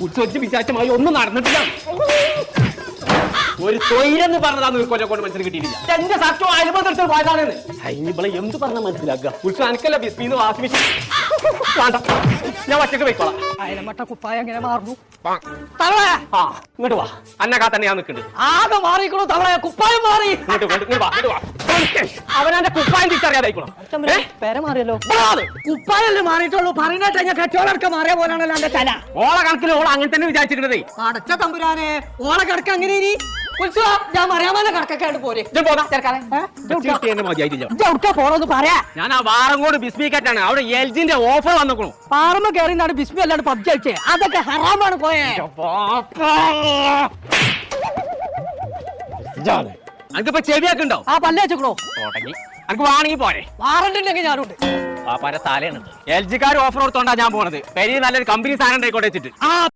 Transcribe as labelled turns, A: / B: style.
A: ഉത്സവിച്ച് വിചാരിച്ചമായി ഒന്നും നടന്നിട്ടില്ല. ഒരു തൊഴിലെന്ന് പറഞ്ഞതാന്ന് കൊല്ലം കൊണ്ട് മനസ്സിൽ കിട്ടിയിട്ടില്ല. എന്റെ സത്യം അനുബന്ധത്തിൽ പോയതാണെന്ന് ഇവിടെ എന്ത് പറഞ്ഞാൽ മനസ്സിലാക്കുക. ഉത്സവം എനിക്കല്ല ബിസ്മിന്ന് വാസിമിച്ച് വേണ്ട, ഞാൻ ഒറ്റക്ക് പോയിക്കോളാം.
B: അയലമട്ട കുപ്പായ എങ്ങനെ മാറുന്നു?
A: ഇങ്ങോട്ട് വാ, അന്നക്കാ തന്നെ ഞാൻ നിൽക്കുന്നുണ്ട്.
B: ആകെ മാറിക്കണോ തവള, കുപ്പായം മാറി.
A: അവനെ കുപ്പായം തിരിച്ചറിയാതായിക്കോളാം.
B: പേര മാറിയല്ലോ. കുപ്പായല്ലേ മാറിയിട്ടുള്ളൂ, പറയുന്നേട്ട ഞാൻ കെട്ടോളൊക്കെ മാറിയ പോലാണല്ലോ എന്റെ തല.
A: ഓള കണക്കിൽ ഓള അങ്ങനെ തന്നെ വിചാരിച്ചിരുന്നതേ.
B: അടച്ച തമ്പുരാനെ, ഓള കിടക്ക അങ്ങനെ ഇനി ഉത്സവം ഞാൻ മറിയാമല്ല കടക്കൊക്കെ പോരെ. പോറോന്ന് പറയാ.
A: ഞാൻ ആ വാറങ്കോട് ബിസ്മിക്കാറ്റാണ്. അവിടെ എൽജിന്റെ ഓഫർ വന്നിക്കണു.
B: പാറമ്മ കയറി നാട് ബിസ്മി അല്ലാണ്ട് പബ്ജി കളിച്ചേ, അതൊക്കെ ഹറാമാണ് പോയേ.
A: അനക്കിപ്പോ ചെവിയൊക്കെ ഉണ്ടോ?
B: ആ പല്ല് വെച്ചോ
A: തുടങ്ങി. അനക്ക് വാണെങ്കിൽ പോരെ.
B: വാറണ്ടിണ്ടെങ്കിൽ ഞാനുണ്ട്.
A: ആ പര തലയാണ്. എൽ ജിക്കാർ ഓഫർ കൊടുത്തോണ്ടാ ഞാൻ പോണത്. പെരി നല്ലൊരു കമ്പനി സാധനം ഉണ്ടായിക്കോട്ടെ വെച്ചിട്ട്.
B: ആ